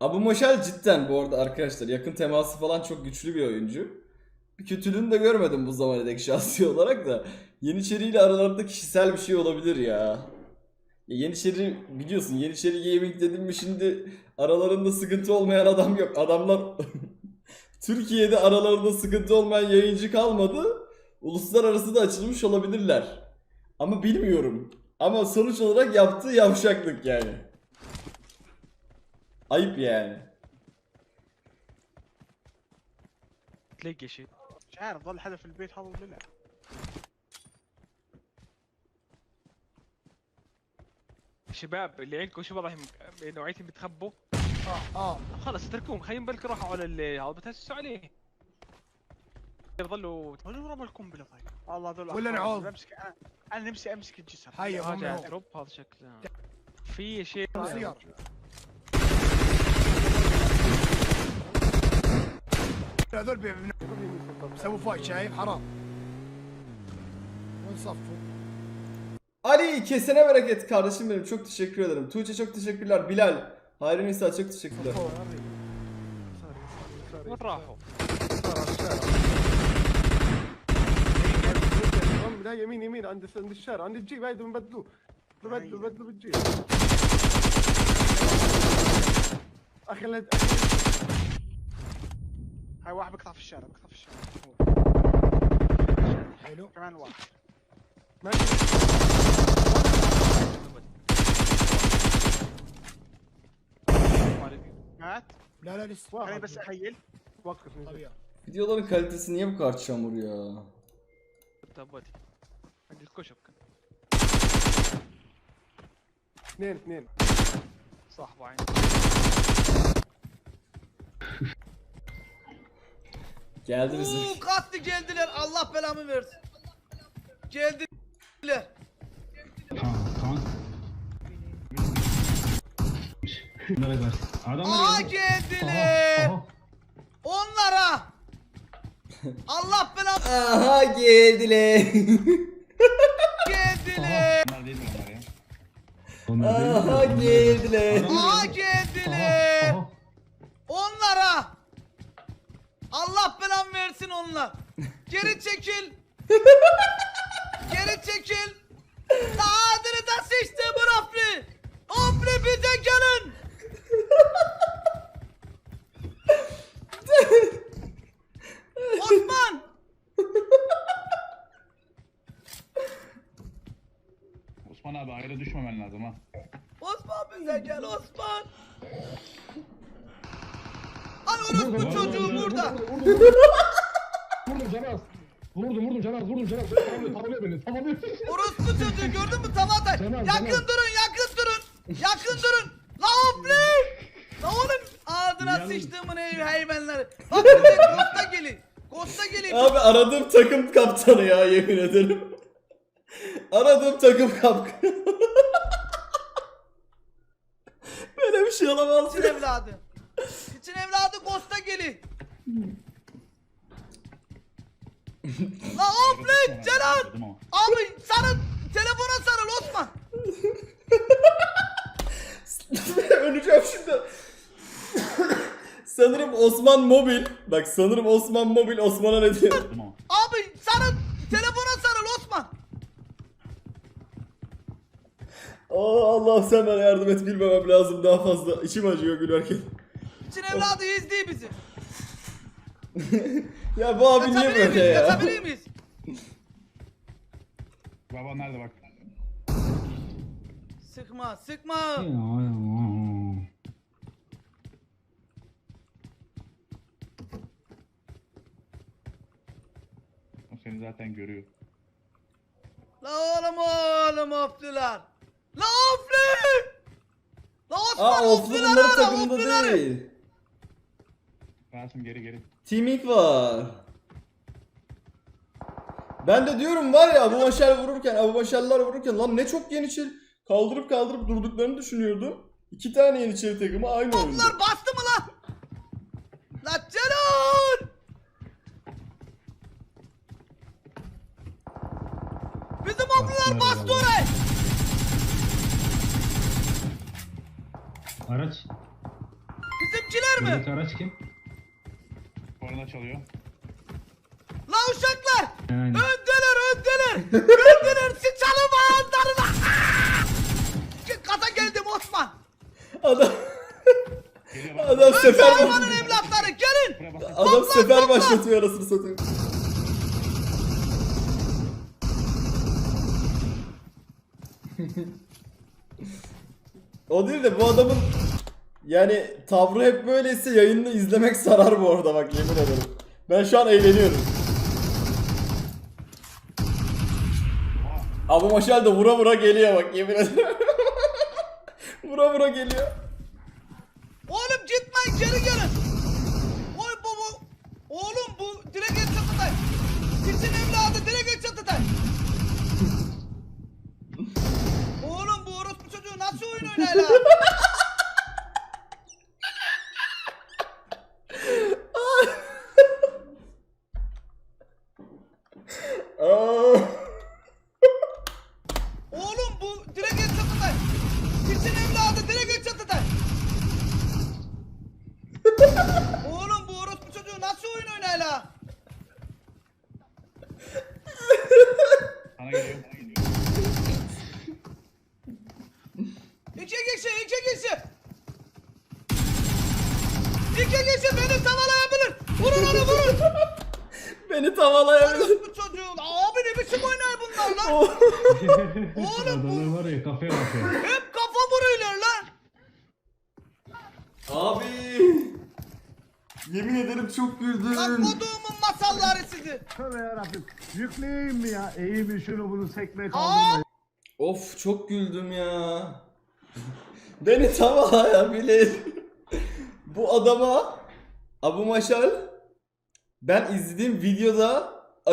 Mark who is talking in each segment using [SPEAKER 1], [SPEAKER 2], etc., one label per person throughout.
[SPEAKER 1] Abu Moşel cidden bu arada arkadaşlar yakın teması falan çok güçlü bir oyuncu. Bir kötülüğünü de görmedim bu zamana dek şahsi olarak da. Yeniçeri ile aralarında kişisel bir şey olabilir ya. Yeniçeri biliyorsun, Yeniçeri Gaming dedim mi şimdi aralarında sıkıntı olmayan adam yok. Adamlar Türkiye'de aralarında sıkıntı olmayan yayıncı kalmadı. Uluslararası da açılmış olabilirler. Ama bilmiyorum. Ama sonuç olarak yaptığı yavşaklık yani. Ayıp yani.
[SPEAKER 2] تلاقي شيء
[SPEAKER 3] مش عارف ظل حدا في البيت هذا ولا لا.
[SPEAKER 2] شباب اللي عندكم شو والله نوعيتهم بتخبوا خلص اتركوهم خليهم بالك روحوا على هذا بتهسسوا عليه يظلوا
[SPEAKER 3] وين رمى القنبله طيب؟ والله هذول
[SPEAKER 4] ولا
[SPEAKER 3] أخوان.
[SPEAKER 4] نعوض.
[SPEAKER 3] انا نفسي امسك الجسر.
[SPEAKER 4] هيا
[SPEAKER 2] هذا
[SPEAKER 4] هم
[SPEAKER 2] دروب هذا شكله في شيء
[SPEAKER 4] سيارة. هذول بيسووا فايت شايف حرام. وين صفوا؟
[SPEAKER 1] Ali kesene bereket kardeşim benim, çok teşekkür ederim. Tuğçe çok teşekkürler. Bilal, Hayri Nisa çok teşekkürler.
[SPEAKER 2] وين راحوا؟
[SPEAKER 5] لا يمين يمين عند الشارع عند الجيب هيدا بنبدلوه بدلوا بالجيب اخي
[SPEAKER 3] هاي واحد بقطع في الشارع بقطع في الشارع.
[SPEAKER 4] حلو.
[SPEAKER 3] كمان واحد. مات.
[SPEAKER 4] لا لا لسه.
[SPEAKER 3] خليني بس اخيل.
[SPEAKER 5] وقف نزل.
[SPEAKER 4] طبيعي.
[SPEAKER 1] Videoların kalitesi niye bu kadar çamur ya?
[SPEAKER 2] تبدي عند الكشك
[SPEAKER 5] اثنين
[SPEAKER 2] صاحبه عين
[SPEAKER 1] Geldi bizim.
[SPEAKER 6] Katlı geldiler, Allah belamı versin. Geldiler. Aa geldiler. Onlara. Allah belamı
[SPEAKER 1] Aha geldiler.
[SPEAKER 6] geldiler.
[SPEAKER 1] Aha geldiler.
[SPEAKER 6] Aa geldiler. Onlara. Allah belamı versin onlar. Geri çekil. Geri çekil. Adını da seçti bu Rafli. Rafli bize gelin. Osman.
[SPEAKER 7] Osman abi ayrı düşmemen lazım ha.
[SPEAKER 6] Osman bize gel Osman. Ay orospu çocuğu burada.
[SPEAKER 5] Vurdum Canaz. Vurdum Canaz. Tamamlıyor beni. Tamamlıyor.
[SPEAKER 6] Orospu çocuğu gördün mü Tavada?
[SPEAKER 5] Tamam,
[SPEAKER 6] Yakın
[SPEAKER 5] tamam.
[SPEAKER 6] durun, yakın durun. Yakın durun. La hopli. La oğlum ağzına sıçtığımın hayvanları. Bak bize Costa gelin. Costa gelin.
[SPEAKER 1] Abi aradığım takım kaptanı ya, yemin ederim. Aradığım takım kaptanı. Böyle bir şey olamaz.
[SPEAKER 6] Çin evladı. Çin evladı Costa gelin. La hopli Celal. Abi sarıl. Telefona sarıl Osman.
[SPEAKER 1] Öleceğim şimdi. Sanırım Osman Mobil. Bak sanırım Osman Mobil Osman'a ne diyor?
[SPEAKER 6] Abi sarıl. Telefona sarıl Osman.
[SPEAKER 1] Allah sen bana yardım et, bilmemem lazım daha fazla. İçim acıyor gülerken.
[SPEAKER 6] Çin evladı izliyor bizi.
[SPEAKER 1] Ya bu abi niye
[SPEAKER 6] Kaçabilir
[SPEAKER 1] böyle
[SPEAKER 6] miyiz?
[SPEAKER 1] ya?
[SPEAKER 6] Kaçabilir miyiz?
[SPEAKER 7] Baba nerede bak.
[SPEAKER 6] Sıkma, sıkma.
[SPEAKER 7] O seni zaten görüyor.
[SPEAKER 6] La oğlum oflular. La oflu. La Osman
[SPEAKER 1] Aa Oflu
[SPEAKER 6] ofluları
[SPEAKER 1] bunların
[SPEAKER 6] ara,
[SPEAKER 1] takımında
[SPEAKER 6] ofluları.
[SPEAKER 1] değil.
[SPEAKER 7] Rasim geri.
[SPEAKER 1] Teaming var. Ben de diyorum var ya, Abu Başarlar vururken lan ne çok Yeniçeri kaldırıp durduklarını düşünüyordum. 2 tane Yeniçeri takımı aynı oyunda.
[SPEAKER 6] Oflular bastı mı lan? La Celal. Bizim oflular bastı orayı.
[SPEAKER 8] Araç.
[SPEAKER 6] Bizimkiler mi?
[SPEAKER 8] Buradaki araç kim?
[SPEAKER 7] Korna çalıyor.
[SPEAKER 6] La uşaklar!
[SPEAKER 8] Yani.
[SPEAKER 6] Öndeler! Öndeler! Sıçalım ağızlarına! Kata geldim Osman!
[SPEAKER 1] Adam
[SPEAKER 7] Geliyor bak.
[SPEAKER 1] adam
[SPEAKER 6] Önce
[SPEAKER 1] sefer
[SPEAKER 6] hayvanın evlatları gelin!
[SPEAKER 7] Buraya bak.
[SPEAKER 1] adam sefer başlatıyor arasını satayım. O değil de bu adamın yani tavrı hep böyleyse yayını izlemek sarar bu arada bak yemin ederim. Ben şu an eğleniyorum. Abu Maşal da vura vura geliyor bak yemin ederim. Vura vura geliyor.
[SPEAKER 6] Oğlum gitmeyin geri gelin! Oy bu! Oğlum bu direkt et çatıday! Piçin evladı direkt et çatıday! Oğlum bu orospu çocuğu nasıl oyun oynar la?
[SPEAKER 1] Aa.
[SPEAKER 6] Oğlum bu direkt et çatıday! Piçin evladı direkt et çatıday! Oğlum bu orospu çocuğu nasıl oyun oynar la?
[SPEAKER 7] Sana geliyor. Sana geliyor.
[SPEAKER 6] İki kişi! İki kişi beni tavalayabilir! Vurun onu vurun!
[SPEAKER 1] Beni tavalayabilir.
[SPEAKER 6] Orospu çocuğu! Abi ne biçim oynar bunlar lan? Oğlum bu
[SPEAKER 8] Adamlar var ya kafaya bakıyor.
[SPEAKER 6] hep kafa vuruyorlar lan!
[SPEAKER 1] Abi. Yemin ederim çok
[SPEAKER 6] Lan
[SPEAKER 1] güldüm.
[SPEAKER 6] koduğumun masalları sizi!
[SPEAKER 4] Tövbe yarabbim. Yükleyeyim mi ya? İyi mi şunu bunu sekmeye
[SPEAKER 6] Aa!
[SPEAKER 4] kaldırmayın.
[SPEAKER 1] Of çok güldüm ya. Beni tavalayabilir. Bu adama Abu Maşal ben izlediğim videoda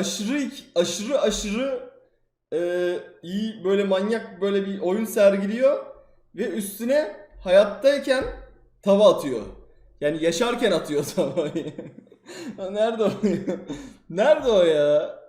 [SPEAKER 1] aşırı iyi böyle manyak böyle bir oyun sergiliyor ve üstüne hayattayken tava atıyor. Yani yaşarken atıyor tavayı. Nerede o? Nerede o ya?